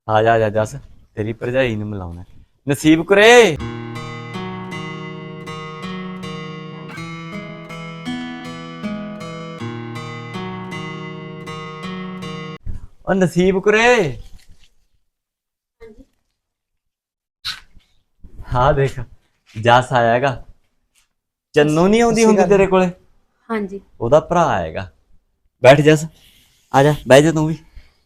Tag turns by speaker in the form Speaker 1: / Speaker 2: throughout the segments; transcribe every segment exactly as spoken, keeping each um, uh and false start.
Speaker 1: ਆ ਜਾ ਆ ਜਾ ਜੱਸ, ਤੇਰੀ ਭਰਜਾਈ ਨੂੰ ਮਿਲਾਉਣਾ। ਨਸੀਬ ਕੁਰੇ, ਉਹ ਨਸੀਬ ਕੁਰੇ। ਹਾਂ ਦੇਖ, ਜੱਸ ਆਇਆ ਹੈਗਾ। ਚੰਨੂ ਨਹੀਂ ਆਉਂਦੀ ਹੁੰਦੀ ਤੇਰੇ ਕੋਲੇ?
Speaker 2: ਹਾਂਜੀ,
Speaker 1: ਉਹਦਾ ਭਰਾ ਆਏਗਾ। ਬੈਠ ਜੱਸ, ਆ ਜਾ ਬਹਿ ਜਾ ਤੂੰ ਵੀ।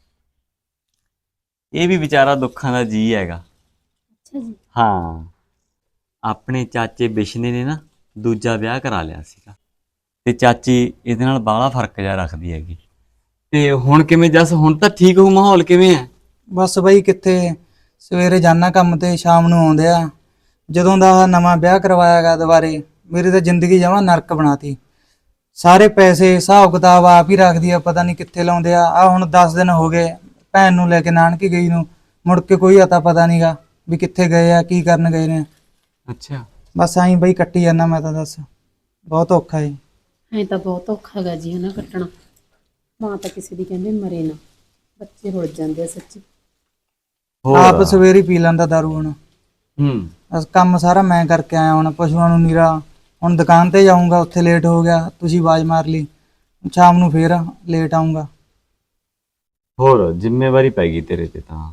Speaker 1: ਇਹ ਵੀ ਵਿਚਾਰਾ ਦੁੱਖਾਂ ਦਾ ਜੀ ਹੈਗਾ।
Speaker 2: ਅੱਛਾ ਜੀ।
Speaker 1: ਹਾਂ, ਆਪਣੇ ਚਾਚੇ ਬਿਸ਼ਨੇ ਨੇ ਨਾ ਦੂਜਾ ਵਿਆਹ ਕਰਾ ਲਿਆ ਸੀਗਾ, ਤੇ ਚਾਚੀ ਇਹਦੇ ਨਾਲ ਬਾਹਲਾ ਫਰਕ ਜਿਹਾ ਰੱਖਦੀ ਹੈਗੀ। ਤੇ ਹੁਣ ਕਿਵੇਂ ਜੱਸ, ਹੁਣ ਤਾਂ ਠੀਕ ਹੋ? ਮਾਹੌਲ ਕਿਵੇਂ ਹੈ?
Speaker 3: ਬਸ ਬਈ ਕਿੱਥੇ, ਸਵੇਰੇ ਜਾਣਾ ਕੰਮ ਤੇ ਸ਼ਾਮ ਨੂੰ ਆਉਂਦੇ ਆ। ਜਦੋਂ ਦਾ ਆਹ ਨਵਾਂ ਵਿਆਹ ਕਰਵਾਇਆ ਗਾ ਦੁਬਾਰੇ, ਮੇਰੀ ਤਾਂ ਜ਼ਿੰਦਗੀ ਜਮਾਂ ਨਰਕ ਬਣਾਤੀ। ਸਾਰੇ ਪੈਸੇ ਹਿਸਾਬ ਕਿਤਾਬ ਆਪ ਹੀ ਰੱਖਦੀ ਆ, ਪਤਾ ਨਹੀਂ ਕਿੱਥੇ ਲਾਉਂਦੇ ਆ। ਆ ਹੁਣ ਦਸ ਦਿਨ ਹੋ ਗਏ ਭੈਣ ਨੂੰ ਲੈ ਕੇ ਨਾਨਕੇ ਗਈ ਨੂੰ, ਮੁੜ ਕੇ ਕੋਈ ਅਤਾ ਪਤਾ ਨਹੀਂਗਾ ਵੀ ਕਿੱਥੇ ਗਏ ਆ, ਕੀ ਕਰਨ ਗਏ ਨੇ।
Speaker 1: ਅੱਛਾ,
Speaker 3: ਬਸ ਐਂ ਬਈ ਕੱਟੀ ਜਾਂਦਾ ਮੈਂ ਤਾਂ। ਦੱਸ, ਬਹੁਤ ਔਖਾ ਏ।
Speaker 2: ਐਂ ਤਾਂ ਬਹੁਤ ਔਖਾ ਗਾ ਜੀ ਹਨਾ ਕੱਟਣਾ। ਮਾਂ ਤਾਂ ਕਿਸੇ ਦੀ ਕਹਿੰਦੇ ਮਰੇ ਨਾ, ਬੱਚੇ ਰੁੱਲ ਜਾਂਦੇ ਆ ਸੱਚੀ।
Speaker 3: ਆਪ ਸਵੇਰੇ ਪੀ ਲੈਂਦਾ ਦਾਰੂ ਹੁਣ।
Speaker 1: ਹੂੰ,
Speaker 3: ਬਸ ਕੰਮ ਸਾਰਾ ਮੈਂ ਕਰਕੇ ਆਇਆ। ਹੁਣ ਪਸ਼ੂਆਂ ਨੂੰ ਨੀਰਾ, ਹੁਣ ਦੁਕਾਨ ਤੇ ਜਾਊਂਗਾ, ਉੱਥੇ ਲੇਟ ਹੋ ਗਿਆ, ਤੁਸੀਂ ਆਵਾਜ਼ ਮਾਰ ਲਈ। ਸ਼ਾਮ ਨੂੰ ਫੇਰ ਲੇਟ ਆਊਂਗਾ।
Speaker 1: ਹੋਰ ਜ਼ਿੰਮੇਵਾਰੀ ਪੈ ਗਈ ਤੇਰੇ ਤੇ ਤਾਂ।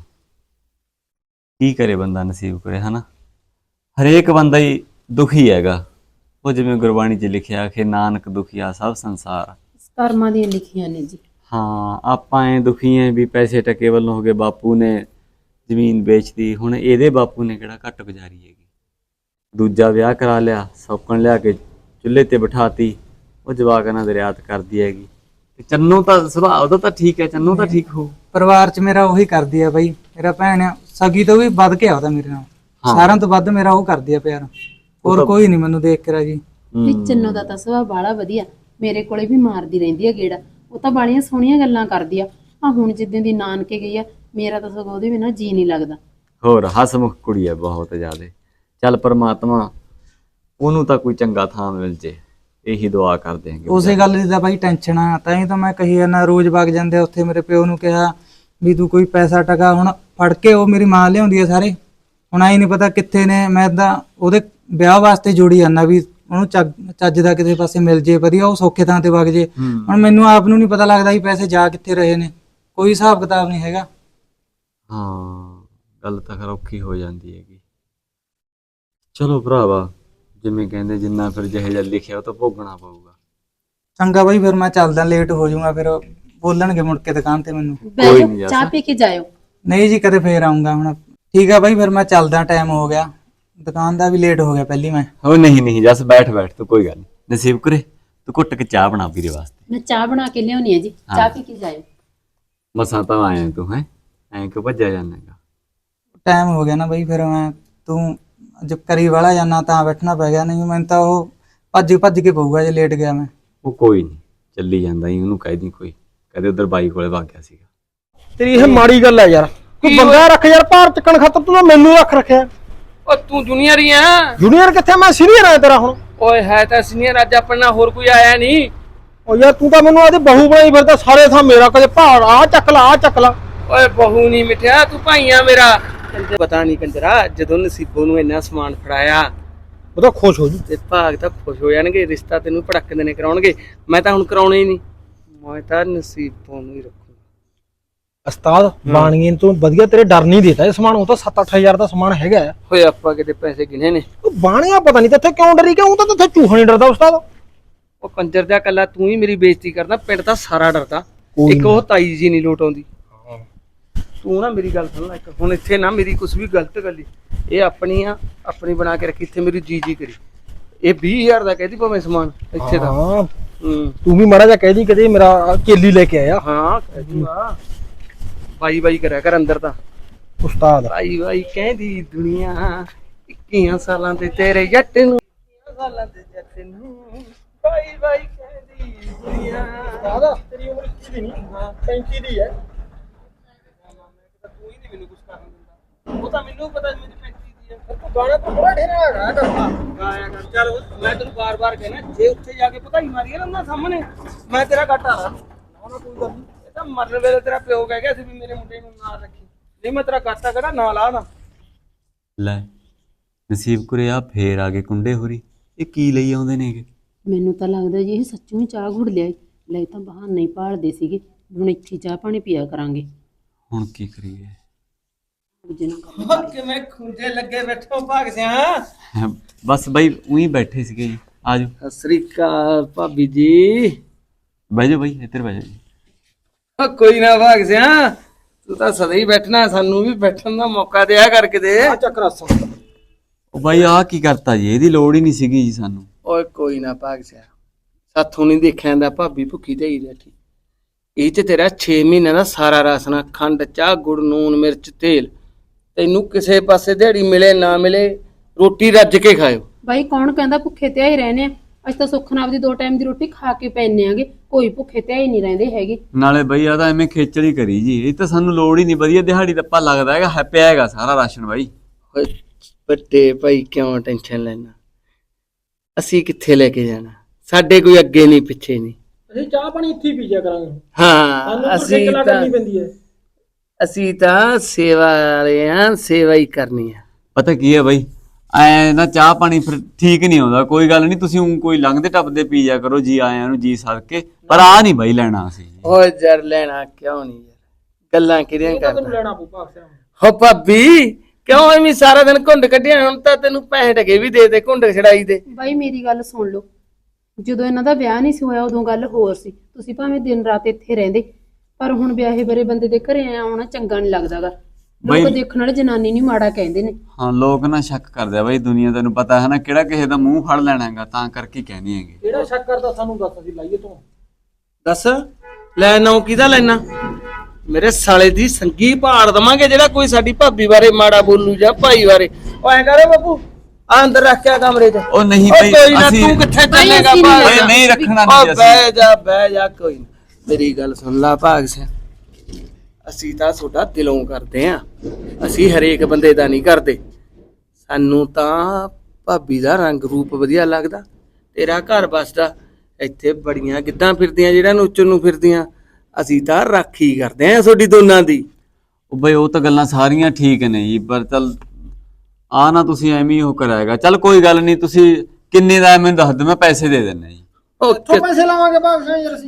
Speaker 1: ਕੀ ਕਰੇ ਬੰਦਾ ਨਸੀਬ ਕਰੇ ਹਨਾ। ਹਰੇਕ ਬੰਦਾ ਹੀ ਦੁਖੀ ਹੈਗਾ। ਉਹ ਜਿਵੇਂ ਗੁਰਬਾਣੀ 'ਚ ਲਿਖਿਆ ਕਿ ਨਾਨਕ ਦੁਖੀਆ ਸਭ ਸੰਸਾਰ।
Speaker 2: ਕਰਮਾਂ ਦੀਆਂ ਲਿਖੀਆਂ ਨੇ ਜੀ।
Speaker 1: ਹਾਂ, ਆਪਾਂ ਐ ਦੁਖੀ ਐ ਵੀ ਪੈਸੇ ਟਕੇ ਵੱਲੋਂ ਹੋ ਗਏ। ਬਾਪੂ ਨੇ ਜ਼ਮੀਨ ਵੇਚਤੀ, ਹੁਣ ਇਹਦੇ ਬਾਪੂ ਨੇ ਕਿਹੜਾ ਘੱਟ ਗੁਜ਼ਾਰੀ ਹੈਗੀ। ਦੂਜਾ ਵਿਆਹ ਕਰਾ ਲਿਆ, ਸੌਕਣ ਲਿਆ ਕੇ ਚੁੱਲ੍ਹੇ ਤੇ ਬਿਠਾਤੀ, ਉਹ ਜਵਾਕ ਨਾਲ ਦਰਿਆਤ ਕਰਦੀ ਹੈਗੀ। ਤੇ ਚੰਨੂ ਤਾਂ ਸੁਭਾਅ ਉਹਦਾ ਤਾਂ ਠੀਕ ਹੈ, ਚੰਨੂ ਤਾਂ ਠੀਕ ਹੋ।
Speaker 3: ਪਰਿਵਾਰ ਚ ਮੇਰਾ ਉਹੀ ਕਰਦੀ ਆ ਬਈ। ਮੇਰਾ ਭੈਣ ਆ, ਸਗੀ ਤੋਂ ਵੀ ਵੱਧ ਕੇ ਆਉਦਾ ਮੇਰੇ ਨਾਲ। ਸਾਰਿਆਂ ਤੋਂ ਵੱਧ ਮੇਰਾ ਉਹ ਕਰਦੀ ਆ ਪਿਆਰ। ਹੋਰ ਕੋਈ ਨਹੀਂ ਮੈਨੂੰ ਦੇਖ ਕੇ ਰਾਜੀ।
Speaker 2: ਵੀ ਚੰਨੂ ਦਾ ਤਾਂ ਸੁਭਾਅ ਬਾਹਲਾ ਵਧੀਆ, ਮੇਰੇ ਕੋਲੇ ਵੀ ਮਾਰਦੀ ਰਹਿੰਦੀ ਆ ਗੇੜਾ। ਉਹ ਤਾਂ ਬਾਲੀਆਂ ਸੋਹਣੀਆਂ ਗੱਲਾਂ ਕਰਦੀ ਆ। ਆ ਹੁਣ ਜਿੱਦਾਂ ਦੀ ਨਾਨਕੇ ਗਈ ਆ, ਮੇਰਾ ਤਾਂ ਸਗੋਂ ਉਹਦੇ ਬਿਨਾਂ ਜੀ ਨਹੀਂ ਲੱਗਦਾ।
Speaker 1: ਹੋਰ ਹਸਮੁਖ ਕੁੜੀ ਹੈ ਬਹੁਤ ਜ਼ਿਆਦਾ। ਚੱਲ ਪਰਮਾਤਮਾ ਉਹਨੂੰ ਤਾਂ ਕੋਈ ਚੰਗਾ ਥਾਂ ਮਿਲ ਜੇ, ਇਹੀ ਦੁਆ ਕਰਦੇ ਹਾਂ।
Speaker 3: ਉਸੇ ਗੱਲ ਦੀ ਤਾਂ ਬਾਈ ਟੈਨਸ਼ਨ ਆ, ਤਾਂ ਹੀ ਤਾਂ ਮੈਂ ਕਹੀ ਜਾਂਦਾ ਰੋਜ਼ ਵਗ ਜਾਂਦੇ ਆ ਉੱਥੇ। ਮੇਰੇ ਪਿਓ ਨੂੰ ਕਿਹਾ ਵੀ ਤੂੰ ਕੋਈ ਪੈਸਾ ਟਕਾ ਹੁਣ ਫੜ ਕੇ, ਉਹ ਮੇਰੀ ਮਾਂ ਲਿਆਉਂਦੀ ਆ ਸਾਰੇ। ਹੁਣ ਆਈ ਨਹੀਂ ਪਤਾ ਕਿੱਥੇ ਨੇ। ਮੈਂ ਤਾਂ ਉਹਦੇ ਵਿਆਹ ਵਾਸਤੇ ਜੋੜੀ ਜਾਂਦਾ ਵੀ ਉਹਨੂੰ ਚੱਜ ਦਾ ਕਿਸੇ ਪਾਸੇ ਮਿਲ ਜੇ ਵਧੀਆ, ਉਹ ਸੌਖੇ ਥਾਂ ਤੇ ਵਗ ਜੇ। ਹੁਣ ਮੈਨੂੰ ਆਪ ਨੂੰ ਨਹੀਂ ਪਤਾ ਲੱਗਦਾ ਵੀ ਪੈਸੇ ਜਾ ਕਿੱਥੇ ਰਹੇ ਨੇ, ਕੋਈ ਹਿਸਾਬ ਕਿਤਾਬ ਨਹੀਂ ਹੈਗਾ।
Speaker 1: ਹਾਂ, ਗੱਲ ਤਾਂ ਖਰ ਔਖੀ ਹੋ ਜਾਂਦੀ ਹੈਗੀ। ਚਲੋ ਭਰਾਵਾ, ਜਿਵੇਂ ਕਹਿੰਦੇ ਜਿੰਨਾ ਫਿਰ ਜਿਹੇ ਜਿਹਾ ਲਿਖਿਆ ਉਹ ਤਾਂ ਭੋਗਣਾ ਪਊਗਾ।
Speaker 3: ਚੰਗਾ ਬਾਈ, ਫਿਰ ਮੈਂ ਚੱਲਦਾ, ਲੇਟ ਹੋ ਜਾਊਂਗਾ। ਫਿਰ ਬੋਲਣਗੇ ਮੁੜ ਕੇ ਦੁਕਾਨ ਤੇ ਮੈਨੂੰ।
Speaker 1: ਕੋਈ ਨੀ
Speaker 2: ਚਾਹ ਪੀ ਕੇ ਜਾਇਓ।
Speaker 3: ਨਹੀਂ ਜੀ, ਕਦੇ ਫੇਰ ਆਊਂਗਾ ਹੁਣ। ਠੀਕ ਆ ਬਾਈ, ਫਿਰ ਮੈਂ ਚੱਲਦਾ, ਟਾਈਮ ਹੋ ਗਿਆ, ਦੁਕਾਨ ਦਾ ਵੀ ਲੇਟ ਹੋ ਗਿਆ ਪਹਿਲੀ ਮੈਂ।
Speaker 1: ਹੋ ਨਹੀਂ ਨਹੀਂ ਜਸ, ਬੈਠ ਬੈਠ ਤੂੰ, ਕੋਈ ਗੱਲ ਨਹੀਂ। ਨਸੀਬ ਕਰੇ ਤੂੰ ਘੁੱਟ ਕੇ ਚਾਹ ਬਣਾ ਵੀਰੇ ਵਾਸਤੇ।
Speaker 2: ਮੈਂ ਚਾਹ ਬਣਾ ਕੇ ਲਿਆਉਣੀ ਆ ਜੀ, ਚਾਹ ਪੀ ਕੇ ਜਾਇਓ।
Speaker 1: ਮਸਾਂ ਤਾਂ ਆਇਆ ਤੂੰ, ਹੈ ਐਂ ਕਿਉਂ ਭੱਜਿਆ ਜਾਣਾਗਾ?
Speaker 3: ਟਾਈਮ ਹੋ ਗਿਆ ਨਾ ਬਾਈ, ਫਿਰ ਮੈਂ ਤੂੰ ਜਦ ਕਰੀ ਵਾਲਾ ਜਾਣਾ ਤਾਂ ਬੈਠਣਾ ਪੈ ਗਿਆ। ਨਹੀਂ ਮੈਨੂੰ ਤਾਂ ਉਹ ਭੱਜ ਭੱਜ ਕੇ ਪਊਗਾ ਜੇ ਲੇਟ ਗਿਆ ਮੈਂ।
Speaker 1: ਉਹ ਕੋਈ ਨਹੀਂ, ਚੱਲੀ ਜਾਂਦਾ ਹੀ। ਉਹਨੂੰ ਕਹਿ ਦੀ ਕੋਈ, ਕਹਦੇ ਉਧਰ ਬਾਈ ਕੋਲੇ ਵਗ ਗਿਆ ਸੀਗਾ।
Speaker 4: ਤੇਰੀ ਇਹ ਮਾੜੀ ਗੱਲ ਹੈ ਯਾਰ। ਤੂੰ ਬੰਦਾ ਰੱਖ ਯਾਰ, ਭਾਰ ਚੱਕਣ ਖਾਤਰ ਤੂੰ ਤਾਂ ਮੈਨੂੰ ਰੱਖ ਰੱਖਿਆ।
Speaker 5: ਓ ਤੂੰ ਜੂਨੀਅਰ ਹੀ ਆ।
Speaker 4: ਜੂਨੀਅਰ ਕਿੱਥੇ, ਮੈਂ ਸੀਨੀਅਰ ਆ ਤੇਰਾ ਹੁਣ।
Speaker 5: ਓਏ ਹੈ ਤਾਂ ਸੀਨੀਅਰ, ਅੱਜ ਆਪਣਾ ਹੋਰ ਕੋਈ ਆਇਆ ਨਹੀਂ।
Speaker 4: ਓ ਯਾਰ ਤੂੰ ਤਾਂ ਮੈਨੂੰ ਆਦੀ ਬਹੂ ਬਣਾਈ ਫਿਰਦਾ ਸਾਰੇ ਥਾਂ ਮੇਰਾ, ਕਦੇ ਭਾਰ ਆ ਚੱਕ ਲਾ ਆ ਚੱਕ ਲਾ।
Speaker 5: ਓਏ ਬਹੂ ਨਹੀਂ ਮਿੱਠਿਆ, ਤੂੰ ਭਾਈਆ ਮੇਰਾ। ਪਤਾ ਨਹੀਂ ਕੰਜਰਾ, ਜਦੋਂ ਨਸੀਬੋ ਨੂੰ ਇੰਨਾ ਸਮਾਨ ਫੜਾਇਆ
Speaker 4: ਉਹ ਤਾਂ ਖੁਸ਼ ਹੋ ਜੂ
Speaker 5: ਤੇ ਭਾਗ ਤਾਂ ਖੁਸ਼ ਹੋ ਜਾਣਗੇ। ਰਿਸ਼ਤਾ ਤੈਨੂੰ ਭੜਕ ਦੇਣੇ ਕਰਾਉਣਗੇ। ਮੈਂ ਤਾਂ ਹੁਣ ਕਰਾਉਣਾ ਹੀ ਨਹੀਂ, ਮੈਂ ਤਾਂ ਨਸੀਬੋ ਨੂੰ ਹੀ ਰੱਖੂਗਾ।
Speaker 4: ਉਸਤਾਦ ਬਾਣੀਏ ਤੂੰ ਵਧੀਆ, ਤੇਰੇ ਡਰ ਨਹੀਂ ਦੇਤਾ ਇਹ ਸਮਾਨ। ਉਹ ਤਾਂ ਸੱਤ ਅੱਠ ਹਜ਼ਾਰ ਦਾ ਸਮਾਨ ਹੈਗਾ।
Speaker 5: ਓਏ ਆਪਾਂ ਕਿਤੇ ਪੈਸੇ ਗਿਣੇ ਨੇ।
Speaker 4: ਉਹ ਬਾਣੀਆ ਪਤਾ ਨਹੀਂ ਤੇਥੇ ਕਿਉਂ ਡਰੀ, ਕਿਉਂ ਤਾਂ ਤੇਥੇ ਚੂਹਾ ਨਹੀਂ ਡਰਦਾ ਉਸਤਾਦ।
Speaker 5: ਉਹ ਕੰਜਰ ਦਾ ਕੱਲਾ ਤੂੰ ਹੀ ਮੇਰੀ ਬੇਇੱਜ਼ਤੀ ਕਰਦਾ, ਪਿੰਡ ਤਾਂ ਸਾਰਾ ਡਰਦਾ। ਇੱਕ ਉਹ ਤਾਈ ਜੀ ਨਹੀਂ ਲੋਟ ਆਉਂਦੀ। ਤੂੰ ਨਾ ਮੇਰੀ ਗੱਲ ਸੁਣ ਲੈ ਇੱਕ, ਹੁਣ ਇੱਥੇ ਨਾ ਮੇਰੀ ਕੁਛ ਵੀ ਗਲਤ ਗੱਲੀ। ਇਹ ਆਪਣੀ ਆ, ਆਪਣੀ ਬਣਾ ਕੇ ਰੱਖੀ। ਇੱਥੇ ਮੇਰੀ ਜੀ ਜੀ ਕਰੀ। ਇਹ ਵੀਹ ਹਜ਼ਾਰ ਦਾ ਕਹਿਦੀ ਭਾਵੇਂ ਸਮਾਨ ਇੱਥੇ ਦਾ।
Speaker 4: ਹਾਂ
Speaker 5: ਹੂੰ,
Speaker 4: ਤੂੰ ਵੀ ਮਾੜਾ ਜਿਹਾ ਕਹਿ ਦੀ ਕਦੇ ਮੇਰਾ ਕੇਲੀ ਲੈ ਕੇ ਆਇਆ।
Speaker 5: ਹਾਂ ਕਹਿ ਦੂੰਗਾ। ਬਾਈ ਬਾਈ ਕਰਿਆ ਕਰ ਅੰਦਰ ਤਾਂ।
Speaker 4: ਉਸਤਾਦ
Speaker 5: ਬਾਈ ਬਾਈ ਕਹਿੰਦੀ ਦੁਨੀਆ, ਇੱਕੀਆਂ ਸਾਲਾਂ ਤੇ ਤੇਰੇ ਜੱਟ ਨੂੰ, ਇੱਕੀਆਂ ਸਾਲਾਂ ਤੇ ਜੱਟ ਨੂੰ ਬਾਈ ਬਾਈ ਕਹਿੰਦੀ ਦੁਨੀਆ।
Speaker 4: ਉਸਤਾਦ ਤੇਰੀ ਉਮਰ ਇੱਕੀ ਦੀ ਨਹੀਂ, ਪੈਂਤੀ ਦੀ ਹੈ।
Speaker 5: ਤੂੰ ਹੀ ਨਹੀਂ ਮੈਨੂੰ ਕੁਝ ਕਰਨ ਦਿੰਦਾ। ਉਹ ਤਾਂ ਮੈਨੂੰ ਪਤਾ ਮੇਰੀ ਪੈਂਤੀ ਦੀ ਹੈ।
Speaker 4: ਤੂੰ ਗਾਣਾ ਤਾਂ ਬੜਾ ਢੇਰਾ ਗਾਇਆ ਕਰਦਾ।
Speaker 5: ਗਾਇਆ ਕਰ। ਚੱਲ ਮੈਂ ਤੈਨੂੰ ਬਾਰ ਬਾਰ ਕਹਿਣਾ, ਜੇ ਉੱਥੇ ਜਾ ਕੇ ਭਕਾਈ ਮਾਰੀ ਨਾ ਉਹਨਾਂ ਸਾਹਮਣੇ, ਮੈਂ ਤੇਰਾ ਘਾਟਾ ਲਾ।
Speaker 4: ਨਾ ਕੋਈ ਗੱਲ ਨਹੀਂ।
Speaker 5: ਇਹ ਤਾਂ ਮਰਨ ਵੇਲੇ ਤੇਰਾ ਪਿਓ ਕਹਿ ਗਿਆ ਸੀ ਵੀ ਮੇਰੇ ਮੁੰਡੇ ਨੂੰ ਨਾਲ ਰੱਖੀ। ਨਹੀਂ ਮੈਂ ਤੇਰਾ ਕਰਤਾ ਕਿਹੜਾ ਨਾਲ ਆ ਨਾ।
Speaker 1: ਲੈ ਨਸੀਬ ਕੁਰੇ ਆ ਫੇਰ ਆ ਗਏ ਕੁੰਡੇ ਹੋਰੀ, ਇਹ ਕੀ ਲਈ ਆਉਂਦੇ ਨੇਗੇ?
Speaker 2: ਮੈਨੂੰ ਤਾਂ ਲੱਗਦਾ ਜੀ ਇਹ ਸੱਚੋਂ ਹੀ ਚਾਹ ਘੁੜ ਲਿਆ ਈ। ਲੈ ਤਾਂ ਬਹਾਨਾ ਹੀ ਭਾਲਦੇ ਸੀਗੇ, ਹੁਣ ਇੱਥੇ ਚਾਹ ਪਾਣੀ ਪੀਆ ਕਰਾਂਗੇ।
Speaker 1: ਹੁਣ ਕੀ ਕਰੀਏ?
Speaker 2: ਦੂਜੇ ਨਾਲ ਗੱਲ
Speaker 5: ਕਿਵੇਂ ਖੁੰਝੇ ਲੱਗੇ ਬੈਠੋ ਭਾਗ ਸਿਆ।
Speaker 1: ਬਸ ਬਾਈ ਉਹੀ ਬੈਠੇ ਸੀਗੇ ਜੀ, ਆ ਜਾਓ
Speaker 5: ਸਤਿ ਸ੍ਰੀ ਅਕਾਲ ਭਾਬੀ ਜੀ।
Speaker 1: ਬਹਿ ਜਾਓ ਬਾਈ, ਇੱਧਰ ਬਹਿ ਜਾਓ ਜੀ।
Speaker 5: ਓ ਕੋਈ ਨਾ ਭਾਗ ਸਿਆ, ਤੂੰ ਤਾਂ ਸਦਾ ਹੀ ਬੈਠਣਾ, ਸਾਨੂੰ ਵੀ ਬੈਠਣ ਦਾ ਮੌਕਾ ਦਿਆ ਕਰਕੇ ਦੇ।
Speaker 4: ਚੱਕਰ ਅਸਾਂ
Speaker 1: ਉਹ ਬਾਈ ਆਹ ਕੀ ਕਰਤਾ ਜੀ, ਇਹਦੀ ਲੋੜ ਹੀ ਨਹੀਂ ਸੀਗੀ ਜੀ ਸਾਨੂੰ।
Speaker 5: ਓਏ ਕੋਈ ਨਾ ਭਾਗ ਸਿਆ, ਸਾਥੋਂ ਨਹੀਂ ਦੇਖਿਆ ਜਾਂਦਾ ਭਾਬੀ ਭੁੱਖੀ ਤੇ ਹੀ ਬੈਠੀ। ਇਹ ਚ ਤੇਰਾ ਛੇ ਮਹੀਨਿਆਂ ਦਾ ਸਾਰਾ ਰਾਸ਼ਨ, ਖੰਡ, ਚਾਹ, ਗੁੜ, ਨੂਨ, ਮਿਰਚ, ਤੇਲ, ਤੈਨੂੰ ਕਿਸੇ ਪਾਸੇ ਦਿਹਾੜੀ ਮਿਲੇ ਨਾ ਮਿਲੇ ਰੋਟੀ ਰੱਜ ਕੇ ਖਾਇਓ।
Speaker 2: ਬਾਈ ਕੌਣ ਕਹਿੰਦਾ ਭੁੱਖੇ ਤੇ ਹੀ ਰਹਿੰਦੇ ਆ? ਅਸੀਂ ਤਾਂ ਸੁੱਖ ਨਾਲ ਦੀ ਦੋ ਟਾਈਮ ਦੀ ਰੋਟੀ ਖਾ ਕੇ ਪੈਨੇ ਆਂਗੇ, ਕੋਈ ਭੁੱਖੇ ਤੇ ਹੀ ਨਹੀਂ ਰਹਿੰਦੇ ਹੈਗੇ।
Speaker 1: ਨਾਲੇ ਬਈ ਆ ਤਾਂ ਐਵੇਂ ਖੇਚਲ ਹੀ ਕਰੀ ਜੀ, ਇਹ ਤਾਂ ਸਾਨੂੰ ਲੋੜ ਹੀ ਨਹੀਂ, ਵਧੀਆ ਦਿਹਾੜੀ ਦੱਪਾ ਲੱਗਦਾ ਹੈਗਾ, ਹੈ ਪਿਆ ਹੈਗਾ ਸਾਰਾ ਰਾਸ਼ਨ ਬਾਈ।
Speaker 5: ਓਏ ਵੱਡੇ ਭਾਈ ਕਿਉਂ ਟੈਨਸ਼ਨ ਲੈਣਾ, ਅਸੀਂ ਕਿੱਥੇ ਲੈ ਕੇ ਜਾਣਾ, ਸਾਡੇ ਕੋਈ ਅੱਗੇ ਨਹੀਂ ਪਿੱਛੇ ਨਹੀਂ।
Speaker 4: ਅਸੀਂ ਚਾਹ ਪਾਣੀ ਇੱਥੇ ਹੀ ਪੀ ਜਾ ਕਰਾਂਗੇ,
Speaker 5: ਹਾਂ
Speaker 4: ਸਾਨੂੰ
Speaker 5: ਅਸੀਂ
Speaker 4: ਕਿਲਾ
Speaker 5: ਤਾਂ
Speaker 4: ਕਰਨੀ ਪੈਂਦੀ ਹੈ।
Speaker 5: ਅਸੀਂ ਤਾਂ ਸੇਵਾ ਵਾਲੇ ਆ, ਸੇਵਾ ਹੀ ਕਰਨੀ ਆ।
Speaker 1: ਪਤਾ ਕੀ ਹੈ ਬਾਈ, ਐ ਨਾ ਚਾਹ ਪਾਣੀ ਫਿਰ ਠੀਕ ਨਹੀਂ ਆਉਂਦਾ, ਕੋਈ ਗੱਲ ਨਹੀਂ ਤੁਸੀਂ ਊਂ ਕੋਈ ਲੰਘਦੇ ਟੱਪਦੇ ਪੀ ਜਾ ਕਰੋ ਜੀ ਆਇਆਂ ਨੂੰ ਜੀ ਸਦਕੇ, ਪਰ ਆ ਨਹੀਂ ਬਾਈ ਲੈਣਾ ਅਸੀਂ।
Speaker 5: ਓ ਜਰ ਲੈਣਾ ਕਿਉਂ ਨਹੀਂ ਯਾਰ, ਗੱਲਾਂ ਕਿਹੜੀਆਂ
Speaker 4: ਤੈਨੂੰ
Speaker 5: ਕਰਦਾ।
Speaker 4: ਲੈਣਾ ਪਊ ਭਾਗ ਸਿਆ।
Speaker 5: ਹੋ ਭਾਬੀ ਕਿਉਂ ਐਵੇਂ ਸਾਰਾ ਦਿਨ ਘੁੰਡ ਕੱਢਿਆ, ਹੁਣ ਤਾਂ ਤੈਨੂੰ ਪੈਸੇ ਟਕੇ ਵੀ ਦੇ ਦੇ ਘੁੰਡ ਛੜਾਈ ਦੇ।
Speaker 2: ਬਾਈ ਮੇਰੀ ਗੱਲ ਸੁਣ ਲਓ, ਜਦੋਂ ਇਹਨਾਂ ਦਾ ਵਿਆਹ ਨਹੀਂ ਸੀ ਹੋਇਆ ਉਦੋਂ ਗੱਲ ਹੋਰ ਸੀ, ਤੁਸੀਂ ਭਾਵੇਂ ਦਿਨ ਰਾਤ ਇੱਥੇ ਰਹਿੰਦੇ, ਪਰ ਹੁਣ ਵਿਆਹੇ ਬਰੇ ਬੰਦੇ ਦੇ ਘਰੇ ਆਉਣਾ ਚੰਗਾ ਨਹੀਂ ਲੱਗਦਾਗਾ। ਲੋਕ
Speaker 1: ਬਾਈ-
Speaker 2: ਦੇਖਣ ਵਾਲੇ ਜਨਾਨੀ ਨਹੀਂ ਮਾੜਾ ਕਹਿੰਦੇ ਨੇ।
Speaker 1: ਹਾਂ ਲੋਕ ਨਾ ਸ਼ੱਕ ਕਰਦੇ ਆ ਬਾਈ, ਦੁਨੀਆ ਤੈਨੂੰ ਪਤਾ ਹੈ ਨਾ ਕਿਹੜਾ ਕਿਸੇ ਦਾ ਮੂੰਹ ਫੜ ਲੈਣਾ ਹੈਗਾ, ਤਾਂ ਕਰਕੇ ਕਹਿੰਦੇ ਹੈਗੇ।
Speaker 4: ਕਿਹੜਾ ਸ਼ੱਕ ਕਰਦਾ ਸਾਨੂੰ ਦੱਸ, ਅਸੀਂ ਲਾਈਏ ਤੂੰ।
Speaker 5: ਦੱਸ ਲੈ ਨਾ ਕਿਹਦਾ ਲੈਣਾ, ਮੇਰੇ ਸਾਲੇ ਦੀ ਸੰਗੀ ਭਾੜ ਦਵਾਂਗੇ ਜਿਹੜਾ ਕੋਈ ਸਾਡੀ ਭਾਬੀ ਬਾਰੇ ਮਾੜਾ ਬੋਲੂ ਜਾਂ ਭਾਈ ਬਾਰੇ। ਉਹ ਐਂ ਕਰੇ ਬਾਬੂ ਆ ਅੰਦਰ ਰੱਖਿਆ ਕਮਰੇ 'ਚ।
Speaker 1: ਉਹ ਨਹੀਂ
Speaker 5: ਓ
Speaker 1: ਬਾਈ
Speaker 5: ਕੋਈ ਨਾ,
Speaker 1: ਅਸੀਂ
Speaker 5: ਤੂੰ ਕਿੱਥੇ
Speaker 2: ਬਾਈ
Speaker 5: ਚੱਲੇਗਾ
Speaker 2: ਅਸੀਂ ਨਹੀਂ
Speaker 5: ਭਾਗ
Speaker 1: ਓਏ
Speaker 5: ਸਿਆ?
Speaker 1: ਨਹੀਂ ਰੱਖਣਾ
Speaker 5: ਓ
Speaker 1: ਨਹੀਂ ਅਸੀਂ।
Speaker 5: ਬਹਿ ਜਾ ਬਹਿ ਜਾ, ਕੋਈ ਨਾ ਮੇਰੀ ਗੱਲ ਸੁਣ ਲਾ ਭਾਗ ਸਿਆ, ਅਸੀਂ ਤਾਂ ਤੁਹਾਡਾ ਦਿਲੋਂ ਕਰਦੇ ਆਂ, ਅਸੀਂ ਹਰੇਕ ਬੰਦੇ ਦਾ ਨਹੀਂ ਕਰਦੇ। ਸਾਨੂੰ ਤਾਂ ਭਾਬੀ ਦਾ ਰੰਗ ਰੂਪ ਵਧੀਆ ਲੱਗਦਾ, ਤੇਰਾ ਘਰ ਬਸਦਾ, ਇੱਥੇ ਬੜੀਆਂ ਗਿੱਧਾਂ ਫਿਰਦੀਆਂ ਜਿਹੜਾ ਨੋਚਣ ਨੂੰ ਫਿਰਦੀਆਂ, ਅਸੀਂ ਤਾਂ ਰਾਖੀ ਕਰਦੇ ਆਂ ਤੁਹਾਡੀ ਦੋਨਾਂ ਦੀ।
Speaker 1: ਉਹ ਬਈ ਉਹ ਤਾਂ ਗੱਲਾਂ ਸਾਰੀਆਂ ਠੀਕ ਨੇ ਜੀ, ਪਰ ਚੱਲ ਆ ਨਾ ਤੁਸੀਂ ਐਵੇਂ ਹੀ ਉਹ ਕਰਾਏਗਾ। ਚੱਲ ਕੋਈ ਗੱਲ ਨਹੀਂ, ਤੁਸੀਂ ਕਿੰਨੇ ਦਾ ਮੈਨੂੰ ਦੱਸ ਦਿਓ, ਮੈਂ ਪੈਸੇ ਦੇ ਦਿੰਦਾ ਜੀ।
Speaker 5: ਉਹ
Speaker 4: ਕਿੱਥੋਂ ਪੈਸੇ ਲਾਵਾਂਗੇ ਭਾਗ ਸਿਆ ਯਾਰ ਅਸੀਂ?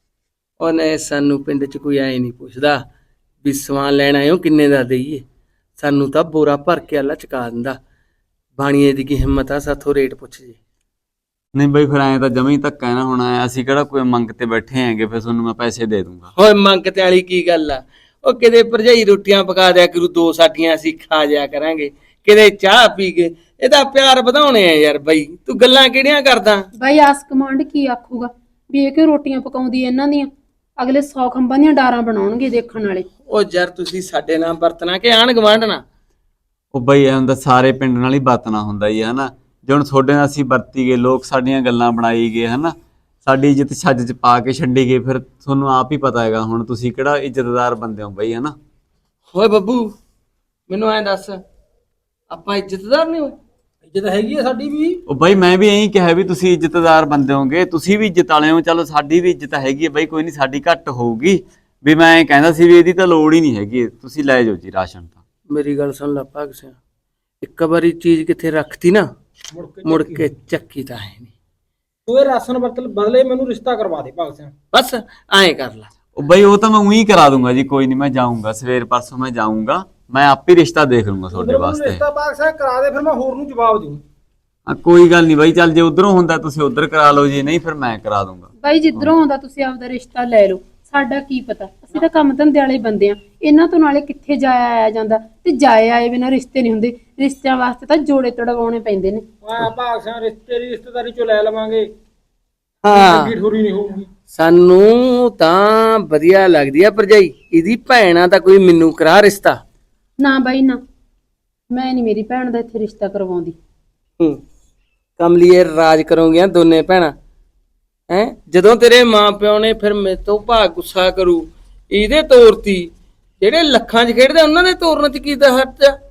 Speaker 5: ਉਹਨੇ ਸਾਨੂੰ ਪਿੰਡ 'ਚ ਕੋਈ ਐ ਨਹੀਂ ਪੁੱਛਦਾ ਵੀ ਸਮਾਨ ਲੈਣ ਆਇਓ ਕਿੰਨੇ ਦਾ ਦੇਈਏ, ਸਾਨੂੰ ਤਾਂ ਬੋਰਾ ਭਰ ਕੇ ਅੱਲਾ ਚਕਾ ਦਿੰਦਾ। ਬਾਣੀਏ ਦੀ ਕੀ ਹਿੰਮਤ ਆ ਸਾਥੋਂ ਰੇਟ ਪੁੱਛ ਜੇ।
Speaker 1: ਨਹੀਂ ਬਈ ਫਿਰ ਐਂ ਤਾਂ ਜਮੀ ਧੱਕਾ ਨਾ ਹੋਣਾ, ਅਸੀਂ ਕਿਹੜਾ ਕੋਈ ਮੰਗ ਤੇ ਬੈਠੇ ਹੈਗੇ, ਫਿਰ ਤੁਹਾਨੂੰ ਮੈਂ ਪੈਸੇ ਦੇ ਦੂੰਗਾ।
Speaker 5: ਓਏ ਮੰਗ ਤੇ ਵਾਲੀ ਕੀ ਗੱਲ ਆ, ਉਹ ਕਿਤੇ ਭਰਜਾਈ ਰੋਟੀਆਂ ਪਕਾ ਦਿਆ ਕਰੂ, ਦੋ ਸਾਡੀਆਂ ਅਸੀਂ ਖਾ ਜਾਇਆ ਕਰਾਂਗੇ, ਕਿਤੇ ਚਾਹ ਪੀ ਕੇ। ਇਹਦਾ ਪਿਆਰ ਵਧਾਉਣੇ ਆ ਯਾਰ ਬਈ, ਤੂੰ ਗੱਲਾਂ ਕਿਹੜੀਆਂ ਕਰਦਾ।
Speaker 2: ਬਾਈ ਆਸ ਕਮਾਂਡ ਕੀ ਆਖੂਗਾ ਵੀ ਇਹ ਕਿ ਰੋਟੀਆਂ ਪਕਾਉਂਦੀ ਇਹਨਾਂ ਦੀਆਂ, ਅਗਲੇ ਸੌ ਖੰਭਾਂ ਦੀਆਂ ਡਾਰਾਂ ਬਣਾਉਣਗੇ ਦੇਖਣ ਵਾਲੇ।
Speaker 5: ਉਹ ਯਾਰ ਤੁਸੀਂ ਸਾਡੇ ਨਾਲ ਵਰਤਣਾ ਕਿ ਆਣ ਗਵਾਂਢਣਾ।
Speaker 1: ਉਹ ਬਈ ਇਹ ਹੁੰਦਾ ਸਾਰੇ ਪਿੰਡ ਨਾਲ ਹੀ ਵਰਤਣਾ ਹੁੰਦਾ ਜੀ, ਹਨਾ। ਜੇ ਹੁਣ ਤੁਹਾਡੇ ਨਾਲ ਅਸੀਂ ਵਰਤੀ ਗਏ, ਲੋਕ ਸਾਡੀਆਂ ਗੱਲਾਂ ਬਣਾਈ ਗਏ, ਹਨਾ, ਸਾਡੀ ਇੱਜ਼ਤ ਛੱਜ 'ਚ ਪਾ ਕੇ ਛੱਡੀ ਗਏ, ਫਿਰ ਤੁਹਾਨੂੰ ਆਪ ਹੀ ਪਤਾ ਹੈਗਾ ਹੁਣ ਤੁਸੀਂ ਕਿਹੜਾ ਇੱਜ਼ਤਦਾਰ ਬੰਦੇ ਹੋ ਬਈ, ਹਨਾ।
Speaker 5: ਓਏ ਬੱਬੂ ਮੈਨੂੰ ਐਂ ਦੱਸ, ਆਪਾਂ ਇੱਜ਼ਤਦਾਰ ਨਹੀਂ ਹੋਏ?
Speaker 4: ਇੱਜ਼ਤ ਹੈਗੀ ਆ ਸਾਡੀ ਵੀ।
Speaker 1: ਉਹ ਬਈ ਮੈਂ ਵੀ ਇਹੀ ਕਿਹਾ ਵੀ ਤੁਸੀਂ ਇੱਜ਼ਤਦਾਰ ਬੰਦੇ ਹੋਗੇ, ਤੁਸੀਂ ਵੀ ਇੱਜ਼ਤ ਵਾਲੇ ਹੋ, ਚਲੋ ਸਾਡੀ ਵੀ ਇੱਜ਼ਤ ਹੈਗੀ ਹੈ ਬਈ, ਕੋਈ ਨਹੀਂ ਸਾਡੀ ਘੱਟ ਹੋਊਗੀ। ਵੀ ਮੈਂ ਇਹ ਕਹਿੰਦਾ ਸੀ ਵੀ ਇਹਦੀ ਤਾਂ ਲੋੜ ਹੀ ਨਹੀਂ ਹੈਗੀ, ਤੁਸੀਂ ਲੈ ਜਾਓ ਜੀ ਰਾਸ਼ਨ ਤਾਂ।
Speaker 5: ਮੇਰੀ ਗੱਲ ਸੁਣ ਲੈ ਭਾਗ ਸਿਆ, ਇੱਕ ਵਾਰੀ ਚੀਜ਼ ਕਿੱਥੇ ਰੱਖਤੀ ਨਾ,
Speaker 4: ਮੁੜ ਕੇ
Speaker 5: ਮੁੜ ਕੇ ਚੱਕੀ ਤਾਂ ਹੈ ਨਹੀਂ।
Speaker 4: ਤੂੰ ਇਹ ਰਾਸ਼ਨ ਬਦਲ ਬਦਲੇ ਮੈਨੂੰ ਰਿਸ਼ਤਾ ਕਰਵਾ ਦੇ ਭਾਗ ਸਿਆ।
Speaker 5: ਬਸ ਐਂ ਕਰ ਲੈ।
Speaker 1: ਉਹ ਬਈ ਉਹ ਤਾਂ ਮੈਂ ਉਹੀ ਕਰਾ ਦੂੰਗਾ ਜੀ, ਕੋਈ ਨਹੀਂ, ਮੈਂ ਜਾਊਂਗਾ ਸਵੇਰ ਪਰਸੋਂ ਮੈਂ ਜਾਊਂਗਾ, ਮੈਂ ਆਪ ਹੀ ਰਿਸ਼ਤਾ ਦੇਖ ਲੂੰਗਾ ਤੁਹਾਡੇ
Speaker 4: ਮੈਨੂੰ
Speaker 1: ਵਾਸਤੇ।
Speaker 4: ਰਿਸ਼ਤਾ ਭਾਗ ਸਿਆ ਕਰਾ ਦੇ, ਫਿਰ ਮੈਂ ਹੋਰ ਨੂੰ ਜਵਾਬ ਦਊਂ।
Speaker 1: ਹਾਂ ਕੋਈ ਗੱਲ ਨਹੀਂ ਬਾਈ, ਚੱਲ ਜੇ ਉਧਰੋਂ ਹੁੰਦਾ ਤੁਸੀਂ ਉਧਰ ਕਰਾ ਲਓ ਜੀ, ਨਹੀਂ ਫਿਰ ਮੈਂ ਕਰਾ ਦੂੰਗਾ।
Speaker 2: ਬਾਈ ਜਿੱਧਰੋਂ ਆਉਂਦਾ ਤੁਸੀਂ ਆਪਦਾ ਰਿਸ਼ਤਾ ਲੈ ਲਓ, ਸਾਡਾ ਕੀ ਪਤਾ, ਅਸੀਂ ਤਾਂ ਕੰਮ ਧੰਦੇ ਵਾਲੇ ਬੰਦੇ ਆ, ਇਹਨਾਂ ਤੋਂ ਨਾਲੇ ਕਿੱਥੇ ਜਾਇਆ ਆਇਆ ਜਾਂਦਾ, ਤੇ ਜਾਏ ਆਏ ਬਿਨਾਂ ਰਿਸ਼ਤੇ ਨਹੀਂ ਹੁੰਦੇ, ਰਿਸ਼ਤਿਆਂ ਵਾਸਤੇ ਤਾਂ ਜੋੜੇ ਤੜਵਾਉਣੇ ਪੈਂਦੇ ਨੇ।
Speaker 4: ਵਾਹ ਭਾਗ ਸਿਆ, ਰਿਸ਼ਤੇ ਦੀ ਰਿਸ਼ਤੇਦਾਰੀ ਚੋਂ ਲੈ ਲਵਾਂਗੇ,
Speaker 5: ਹਾਂ
Speaker 4: ਚੰਗੀ ਠੋਰੀ ਨਹੀਂ ਹੋਊਗੀ।
Speaker 5: ਸਾਨੂੰ ਤਾਂ ਵਧੀਆ ਲੱਗਦੀ ਆ ਭਰਜਾਈ, ਇਹਦੀ ਭੈਣ ਆ ਤਾਂ ਕੋਈ ਮੈਨੂੰ ਕਰਾ ਰਿਸ਼ਤਾ।
Speaker 2: ਨਾ ਬਾਈ ਨਾ, ਮੈਂ ਨਹੀਂ ਮੇਰੀ ਭੈਣ ਦਾ ਇੱਥੇ ਰਿਸ਼ਤਾ ਕਰਵਾਉਂਦੀ।
Speaker 5: ਹੂੰ ਕਮਲੀਏ ਰਾਜ ਕਰੋਗੀਆਂ ਦੋਨੇ ਭੈਣਾਂ ਹੈ, ਜਦੋਂ ਤੇਰੇ ਮਾਂ ਪਿਓ ਨੇ ਫਿਰ ਮੇਰੇ ਤੋਂ ਭਾਗ ਗੁੱਸਾ ਕਰੂ, ਇਹਦੇ ਤੋਰਤੀ, ਜਿਹੜੇ ਲੱਖਾਂ 'ਚ ਖੇਡਦੇ ਉਹਨਾਂ ਦੇ ਤੋਰਨ 'ਚ ਕੀ ਦਾ ਹੱਥ ਆ।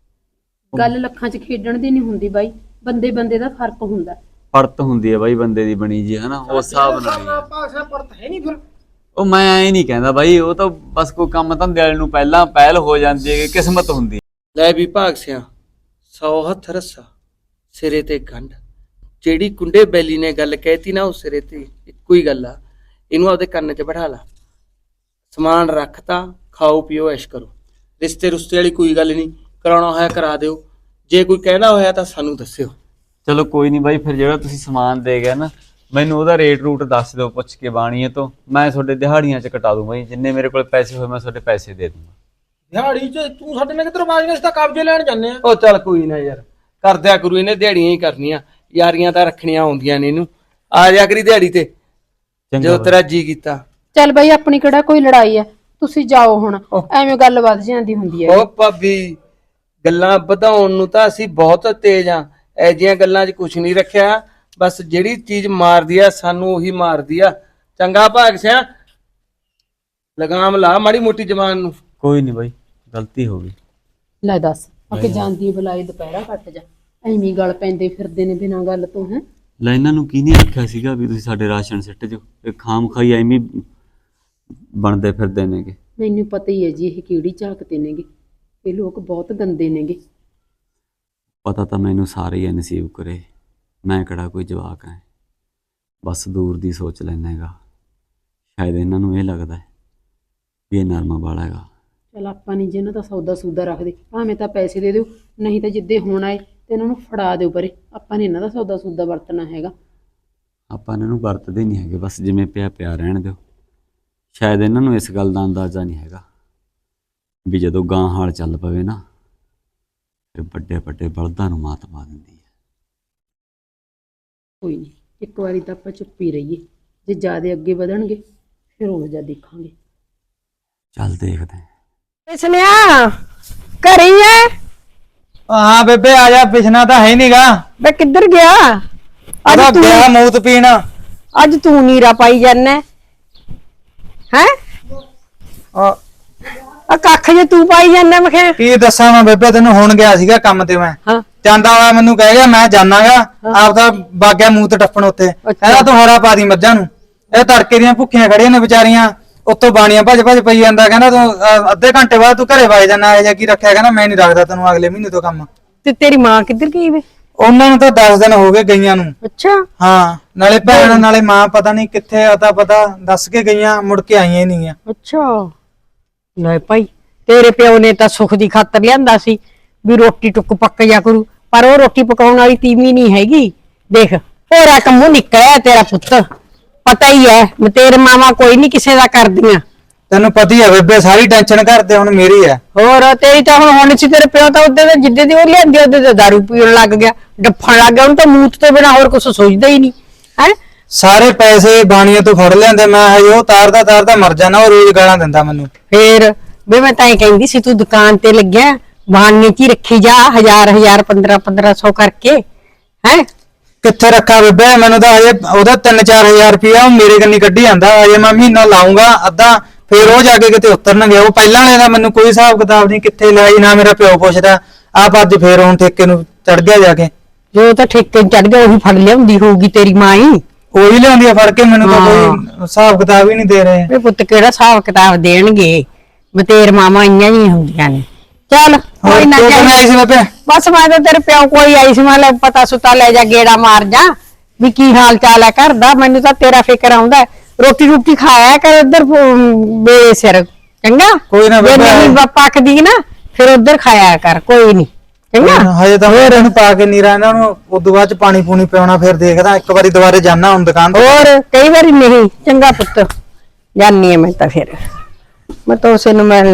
Speaker 2: ਗੱਲ ਲੱਖਾਂ 'ਚ ਖੇਡਣ ਦੀ ਨਹੀਂ ਹੁੰਦੀ ਬਾਈ, ਬੰਦੇ ਬੰਦੇ ਦਾ ਫਰਕ ਹੁੰਦਾ।
Speaker 1: ਪਰਤ ਹੁੰਦੀ ਹੈ ਬਾਈ ਬੰਦੇ ਦੀ ਬਣੀ ਜੀ, ਹਨਾ, ਉਸ ਹਿਸਾਬ ਨਾਲ ਹੀ ਹੈ।
Speaker 4: ਭਾਗ ਸਿਆ ਪਰਤ ਹੈ ਨਹੀਂ ਫਿਰ।
Speaker 1: ਉਹ ਮੈਂ ਐ ਨਹੀਂ ਕਹਿੰਦਾ ਬਾਈ, ਉਹ ਤਾਂ ਬਸ ਕੋਈ ਕੰਮ ਧੰਦੇ ਵਾਲੇ ਨੂੰ ਪਹਿਲਾਂ ਪਹਿਲ ਹੋ ਜਾਂਦੀ ਹੈ, ਕਿਸਮਤ ਹੁੰਦੀ।
Speaker 5: ਲੈ ਵੀ ਭਾਗ ਸਿਆ, ਸੌ ਹੱਥ ਰੱਸਾ ਸਿਰੇ ਤੇ ਗੰਢ। ਜਿਹੜੀ ਕੁੰਡੇ ਬੈਲੀ ਨੇ ਗੱਲ ਕਹਿਤੀ ਨਾ, ਉਹ ਸਿਰੇ ਤੇ ਇੱਕੋ ਹੀ ਗੱਲ ਆ। ਇਹਨੂੰ ਆਪਦੇ ਕੰਨ 'ਚ ਬਿਠਾ ਲਾ। ਸਮਾਨ ਰੱਖਤਾ, ਖਾਓ ਪੀਓ ਐਸ਼ ਕਰੋ। ਰਿਸ਼ਤੇ ਰੁਸ਼ਤੇ ਵਾਲੀ ਕੋਈ ਗੱਲ ਨਹੀਂ, ਕਰਾਉਣਾ ਹੋਇਆ ਕਰਾ ਦਿਓ। ਜੇ ਕੋਈ ਕਹਿੰਦਾ ਹੋਇਆ ਤਾਂ ਸਾਨੂੰ ਦੱਸਿਓ।
Speaker 1: ਚਲੋ ਕੋਈ ਨਹੀਂ ਬਾਈ, ਫਿਰ ਜਿਹੜਾ ਤੁਸੀਂ ਸਮਾਨ ਦੇ ਗਏ ਨਾ, ਮੈਨੂੰ ਉਹਦਾ ਰੇਟ ਰੂਟ ਦੱਸ ਦਿਓ ਪੁੱਛ ਕੇ ਬਾਣੀਏ ਤੋਂ। ਮੈਂ ਤੁਹਾਡੇ ਦਿਹਾੜੀਆਂ 'ਚ ਕਟਾ ਦੂੰ ਬਾਈ, ਜਿੰਨੇ ਮੇਰੇ ਕੋਲ ਪੈਸੇ ਹੋਏ ਮੈਂ ਤੁਹਾਡੇ ਪੈਸੇ ਦੇ ਦੂੰਗਾ।
Speaker 4: ਦਿਹਾੜੀ 'ਚ ਤੂੰ ਸਾਡੇ ਨਾਲ ਕਿੱਧਰ ਬਾਜ ਨੇ, ਤਾਂ ਕਬਜ਼ੇ ਲੈਣ ਜਾਂਦੇ ਆ।
Speaker 5: ਉਹ ਚੱਲ ਕੋਈ ਨਾ ਯਾਰ, ਕਰਦਿਆ ਕਰੂ, ਇਹਨੇ ਦਿਹਾੜੀਆਂ ਹੀ ਕਰਨੀਆਂ, ਯਾਰੀਆਂ ਤਾਂ ਰੱਖਣੀਆਂ ਆਉਂਦੀਆਂ ਨੇ ਇਹਨੂੰ। ਆ ਜਾ ਕਰੀ ਦਿਹਾੜੀ ਤੇ ਜਦੋਂ ਤੇਰਾ ਜੀ ਕੀਤਾ।
Speaker 2: ਚੱਲ ਬਾਈ, ਆਪਣੀ ਕਿਹੜਾ ਕੋਈ ਲੜਾਈ ਹੈ, ਤੁਸੀਂ ਜਾਓ ਹੁਣ, ਐਵੇਂ ਗੱਲ ਵੱਧ ਜਾਂਦੀ ਹੁੰਦੀ ਹੈ।
Speaker 5: ਉਹ ਭਾਬੀ, ਗੱਲਾਂ ਵਧਾਉਣ ਨੂੰ ਤਾਂ ਅਸੀਂ ਬਹੁਤ ਤੇਜ਼ ਆ, ਐ ਜਿਹੀਆਂ ਗੱਲਾਂ 'ਚ ਕੁਝ ਨਹੀਂ ਰੱਖਿਆ। ਬਸ ਜਿਹੜੀ ਚੀਜ਼ ਮਾਰਦੀ ਆ ਸਾਨੂੰ ਉਹੀ ਮਾਰਦੀ ਆ। ਚੰਗਾ ਭਾਗ ਸਿਆ, ਲਗਾਮ ਲਾ ਮਾੜੀ ਮੋਟੀ ਜ਼ਬਾਨ ਨੂੰ।
Speaker 1: ਕੋਈ ਨਹੀਂ ਬਾਈ, ਗਲਤੀ ਹੋ ਗਈ।
Speaker 2: ਲੈ ਦੱਸ, ਅੱਗੇ ਜਾਂਦੀ ਬੁਲਾਈ ਦੁਪਹਿਰਾ ਕੱਟ ਜਾ, ਐਵੇਂ ਗੱਲ ਪੈਂਦੇ ਫਿਰਦੇ ਨੇ ਬਿਨਾਂ ਗੱਲ ਤੋਂ। ਹੈ
Speaker 1: ਲੈ ਇਹਨਾਂ ਨੂੰ ਕੀ ਨਹੀਂ ਆਖਿਆ ਸੀਗਾ ਵੀ ਤੁਸੀਂ ਸਾਡੇ ਰਾਸ਼ਨ ਸਿੱਟ ਜੋ, ਇਹ ਖਾਮ ਖਾਈ ਐਵੇਂ ਬਣਦੇ ਫਿਰਦੇ ਨੇਗੇ।
Speaker 2: ਮੈਨੂੰ ਪਤਾ ਹੀ ਹੈ ਜੀ ਇਹ ਕਿਹੜੀ ਝਾਕਦੇ ਨੇਗੇ, ਇਹ ਲੋਕ ਬਹੁਤ ਗੰਦੇ ਨੇਗੇ।
Speaker 1: ਪਤਾ ਤਾਂ ਮੈਨੂੰ ਸਾਰੇ ਹੀ ਨਸੀਬ ਕਰੇ, ਮੈਂ ਕਿਹੜਾ ਕੋਈ ਜਵਾਕ ਹੈ, ਬਸ ਦੂਰ ਦੀ ਸੋਚ ਲੈਂਦਾ ਹੈਗਾ। ਸ਼ਾਇਦ ਇਹਨਾਂ ਨੂੰ ਇਹ ਲੱਗਦਾ ਹੈ ਵੀ ਇਹ ਨਰਮਾ ਵਾਲਾ ਹੈਗਾ।
Speaker 2: ਚਲ ਆਪਾਂ ਨਹੀਂ, ਜਿਹਨਾਂ ਦਾ ਸੌਦਾ ਸੂਦਾ ਰੱਖਦੇ, ਭਾਵੇਂ ਤਾਂ ਪੈਸੇ ਦੇ ਦਿਓ, ਨਹੀਂ ਤਾਂ ਜਿੱਦੇ ਹੁਣ ਆਏ ਤੇ ਇਹਨਾਂ ਨੂੰ ਫੜਾ ਦਿਓ ਪਰੇ। ਆਪਾਂ ਨੇ ਇਹਨਾਂ ਦਾ ਸੌਦਾ ਸੂਦਾ ਵਰਤਣਾ ਹੈਗਾ।
Speaker 1: ਆਪਾਂ ਇਹਨਾਂ ਨੂੰ ਵਰਤਦੇ ਨਹੀਂ ਹੈਗੇ, ਬਸ ਜਿਵੇਂ ਪਿਆ ਪਿਆ ਰਹਿਣ ਦਿਓ। ਸ਼ਾਇਦ ਇਹਨਾਂ ਨੂੰ ਇਸ ਗੱਲ ਦਾ ਅੰਦਾਜ਼ਾ ਨਹੀਂ ਹੈਗਾ ਵੀ ਜਦੋਂ ਗਾਂ ਹਾਲ ਚੱਲ ਪਵੇ ਨਾ, ਫਿਰ ਵੱਡੇ ਵੱਡੇ ਬਲਦਾਂ ਨੂੰ ਮਾਤ ਪਾ ਦਿੰਦੀ ਹੈ।
Speaker 2: ਕੋਈ ਨਹੀਂ, ਇੱਕ ਵਾਰੀ ਤਾਂ ਆਪਾਂ ਚੁੱਪ ਹੀ ਰਹੀਏ, ਜੇ ਜ਼ਿਆਦਾ ਅੱਗੇ ਵਧਣਗੇ ਫਿਰ ਉਹ ਜਾ ਦੇਖਾਂਗੇ।
Speaker 1: ਚੱਲ ਦੇਖਦੇ ਹਾਂ।
Speaker 6: ਸੁਨਿਆ ਘਰੇ ਹੀ ਐ?
Speaker 3: ਹਾਂ ਬੇਬੇ ਆ ਜਾ, ਪਿਛਣਾ ਤਾਂ ਹੈ ਨਹੀਂਗਾ।
Speaker 6: ਬੇ ਕਿੱਧਰ ਗਿਆ? ਅੱਜ
Speaker 3: ਉਹਦਾ
Speaker 6: ਤੂੰ
Speaker 3: ਗਿਆ ਮੂਤ ਪੀਣ।
Speaker 6: ਅੱਜ ਤੂੰ ਨੀਰਾ ਪਾਈ ਜਾਨਾ ਹੈ? ਆ ਕੱਖ ਜੇ ਤੂੰ ਪਾਈ ਜਾਨਾ। ਮੈਂ ਕਿਹਾ
Speaker 3: ਕੀ ਦੱਸਾਂ ਮੈਂ ਬੇਬੇ ਤੈਨੂੰ, ਹੁਣ ਗਿਆ ਸੀਗਾ ਕੰਮ ਤੇ ਮੈਂ।
Speaker 6: ਹਾਂ
Speaker 3: ਜਾਂਦਾ ਹੋਇਆ ਮੈਨੂੰ ਕਹਿ ਗਿਆ ਮੈਂ ਜਾਣਾਗਾ, ਆਪਦਾ ਬਾਗਿਆ ਮੂਤ ਟੱਪਣ ਉੱਤੇ। ਕਹਿੰਦਾ ਤੂੰ ਹਰਾ ਪਾ ਦੀ ਮੱਝਾਂ ਨੂੰ, ਇਹ ਤੜਕੇ ਦੀਆਂ ਭੁੱਖੀਆਂ ਖੜੀਆਂ ਨੇ ਵਿਚਾਰੀਆਂ, ਉੱਤੋਂ ਬਾਣੀਆਂ ਭੱਜ ਭੱਜ ਪਈ ਜਾਂਦਾ। ਕਹਿੰਦਾ ਤੂੰ ਅਹ, ਅੱਧੇ ਘੰਟੇ ਬਾਅਦ ਤੂੰ ਘਰੇ ਵਗ ਜਾਣਾ, ਇਹ ਜਿਹਾ ਕੀ ਰੱਖਿਆ? ਕਹਿੰਦਾ ਮੈਂ ਨਹੀਂ ਰੱਖਦਾ ਤੈਨੂੰ ਅਗਲੇ ਮਹੀਨੇ ਤੋਂ ਕੰਮ।
Speaker 6: ਤੇ ਤੇਰੀ ਮਾਂ ਕਿੱਧਰ ਗਈ ਵੇ?
Speaker 3: ਉਹਨਾਂ ਨੂੰ ਤਾਂ ਦਸ ਦਿਨ ਹੋ ਗਏ ਗਈਆਂ ਨੂੰ।
Speaker 6: ਅੱਛਾ,
Speaker 3: ਹਾਂ, ਨਾਲੇ ਭੈਣ ਨਾਲੇ ਮਾਂ ਪਤਾ ਨਹੀਂ ਕਿੱਥੇ ਆ, ਤਾਂ ਪਤਾ ਦੱਸ ਕੇ ਗਈਆਂ, ਮੁੜ ਕੇ ਆਈਆਂ ਹੀ ਨਹੀਂ ਆ।
Speaker 6: ਅੱਛਾ। ਲੈ ਭਾਈ, ਤੇਰੇ ਪਿਓ ਨੇ ਤਾਂ ਸੁੱਖ ਦੀ ਖਾਤਰ ਲਿਆਂਦਾ ਸੀ ਵੀ ਰੋਟੀ ਟੁੱਕ ਪੱਕ ਜਾ ਕਰੂ, ਪਰ ਉਹ ਰੋਟੀ ਪਕਾਉਣ ਵਾਲੀ ਤੀਵੀਂ ਨਹੀਂ ਹੈਗੀ। ਦੇਖ ਹੋਰਾ ਕੰਮੋਂ ਨਿਕਲਿਆ ਤੇਰਾ ਪੁੱਤ, ਪਤਾ ਹੀ ਹੈ ਮੈਂ ਤੇਰੇ ਮਾਵਾ ਕੋਈ ਨਹੀਂ ਕਿਸੇ ਦਾ ਕਰਦੀਆਂ।
Speaker 3: ਤੈਨੂੰ ਪਤਾ ਹੀ ਆ ਬੇਬੇ, ਸਾਰੀ ਟੈਨਸ਼ਨ ਕਰਦੇ ਹੁਣ ਮੇਰੀ ਆ।
Speaker 6: ਹੋਰ ਤੇਰੀ ਤਾਂ ਹੁਣ ਹੁਣ ਸੀ, ਤੇਰੇ ਪਿਓ ਤਾਂ ਉਹਦੇ ਦੇ ਜਿੱਦੇ ਦੀ ਉਹ ਲਿਆਂਦੀ ਉਹਦੇ ਤੇ ਦਾਰੂ ਪੀਣ ਲੱਗ ਗਿਆ, ਡੱਫਣ ਲੱਗ ਗਿਆ। ਉਹਨੂੰ ਤਾਂ ਮੂਤ ਤੋਂ ਬਿਨਾ ਹੋਰ ਕੁਝ ਸੋਚਦਾ ਹੀ ਨਹੀਂ ਹੈ।
Speaker 3: ਸਾਰੇ ਪੈਸੇ ਬਾਣੀਆਂ ਤੋਂ ਫੜ ਲਿਆਂਦੇ, ਮੈਂ ਹਜੇ ਉਹ ਤਾਰਦਾ ਤਾਰਦਾ ਮਰ ਜਾਣਾ। ਉਹ ਰੋਜ਼ ਗਾਲਾਂ ਦਿੰਦਾ ਮੈਨੂੰ।
Speaker 6: ਫੇਰ ਵੀ ਮੈਂ ਤਾਂ ਇਹ ਕਹਿੰਦੀ ਸੀ ਤੂੰ ਦੁਕਾਨ ਤੇ ਲੱਗਿਆ, ਬਾਣੀਏ ਚ ਹੀ ਰੱਖੀ ਜਾ, ਹਜ਼ਾਰ ਹਜ਼ਾਰ ਪੰਦਰਾਂ ਪੰਦਰਾਂ ਸੌ ਕਰਕੇ। ਹੈ
Speaker 3: ਕਿੱਥੇ ਰੱਖਾ ਬੇਬੇ? ਮੈਨੂੰ ਤਾਂ ਹਜੇ ਉਹਦਾ ਤਿੰਨ ਚਾਰ ਹਜ਼ਾਰ ਰੁਪਇਆ ਉਹ ਮੇਰੇ ਕੰਨੀ ਕੱਢੀ ਜਾਂਦਾ। ਹਜੇ ਮੈਂ ਮਹੀਨਾ ਲਾਉਂਗਾ ਅੱਧਾ, ਫੇਰ ਉਹ ਜਾ ਕੇ ਕਿਤੇ ਉਤਰਨਗੇ। ਉਹ ਪਹਿਲਾਂ ਵਾਲੇ ਦਾ ਮੈਨੂੰ ਕੋਈ ਹਿਸਾਬ ਕਿਤਾਬ ਨਹੀਂ, ਕਿੱਥੇ ਲਾਈ ਨਾ ਮੇਰਾ ਪਿਓ ਪੁੱਛਦਾ। ਆਪ ਅੱਜ ਫੇਰ ਹੁਣ ਠੇਕੇ ਨੂੰ ਚੜ ਗਿਆ ਜਾ ਕੇ।
Speaker 6: ਜੋ ਤਾਂ ਠੇਕੇ ਚੜ ਗਿਆ ਉਹੀ ਫੜ ਲਿਆਉਂਦੀ ਹੋਊਗੀ ਤੇਰੀ ਮਾਂ ਹੀ,
Speaker 3: ਉਹੀ ਲਿਆਉਂਦੀ ਆ ਫੜ ਕੇ। ਮੈਨੂੰ ਤਾਂ ਕੋਈ ਹਿਸਾਬ ਕਿਤਾਬ ਹੀ ਨਹੀਂ ਦੇ ਰਹੇ।
Speaker 6: ਇਹ ਪੁੱਤ ਕਿਹੜਾ ਹਿਸਾਬ ਕਿਤਾਬ ਦੇਣਗੇ? ਬਤੇਰ ਮਾਮਾ ਇੰਨੀਆਂ ਹੀ ਹੁੰਦੀਆਂ ਨੇ। ਚੱਲ ਕੋਈ ਨਾ,
Speaker 3: ਤੂੰ ਕਿਵੇਂ ਆਈ ਸੀ ਬੇਬੇ?
Speaker 6: ਬਸ ਮੈਂ ਤਾਂ ਤੇਰੇ ਪਿਓ ਕੋਈ ਆਈ ਸੀ, ਮੈਂ ਲੈ ਪਤਾ ਸੁਤਾ ਲੈ ਜਾ, ਗੇੜਾ ਮਾਰ ਜਾ ਵੀ ਕੀ ਹਾਲ ਚਾਲ ਹੈ ਘਰ ਦਾ। ਮੈਨੂੰ ਤਾਂ ਤੇਰਾ ਫਿਕਰ ਆਉਂਦਾ। ਰੋਟੀ ਰੋਟੀ ਖਾਇਆ ਕਰ ਇੱਧਰ ਮੇਰੇ ਸਿਰ, ਚੰਗਾ?
Speaker 3: ਕੋਈ ਨਾ
Speaker 6: ਜੇ
Speaker 3: ਬੇਬੇ।
Speaker 6: ਨਹੀਂ ਪੱਕਦੀ ਨਾ ਫਿਰ ਉੱਧਰ ਖਾਇਆ ਕਰ, ਕੋਈ ਨਹੀਂ, ਚੰਗਾ?
Speaker 3: ਹਜੇ ਤਾਂ ਹੋਰ ਇਹਨੂੰ ਪਾ ਕੇ ਨੀਰਾ, ਇਹਨਾਂ ਨੂੰ ਉਦੋਂ ਬਾਅਦ ਚ ਪਾਣੀ ਪੂਣੀ ਪਿਆਉਣਾ, ਫਿਰ ਦੇਖਦਾ। ਇੱਕ ਵਾਰੀ ਦੁਬਾਰੇ ਜਾਣਾ ਹੁਣ ਦੁਕਾਨ ਤੇ।
Speaker 6: ਹੋਰ ਕਈ ਵਾਰੀ ਨਹੀਂ। ਚੰਗਾ ਪੁੱਤ, ਜਾਨੀ ਆ ਮੈਂ ਤਾਂ ਫਿਰ। ਮੈਂ ਤਾਂ ਉਸੇ ਨੂੰ ਮੈਂ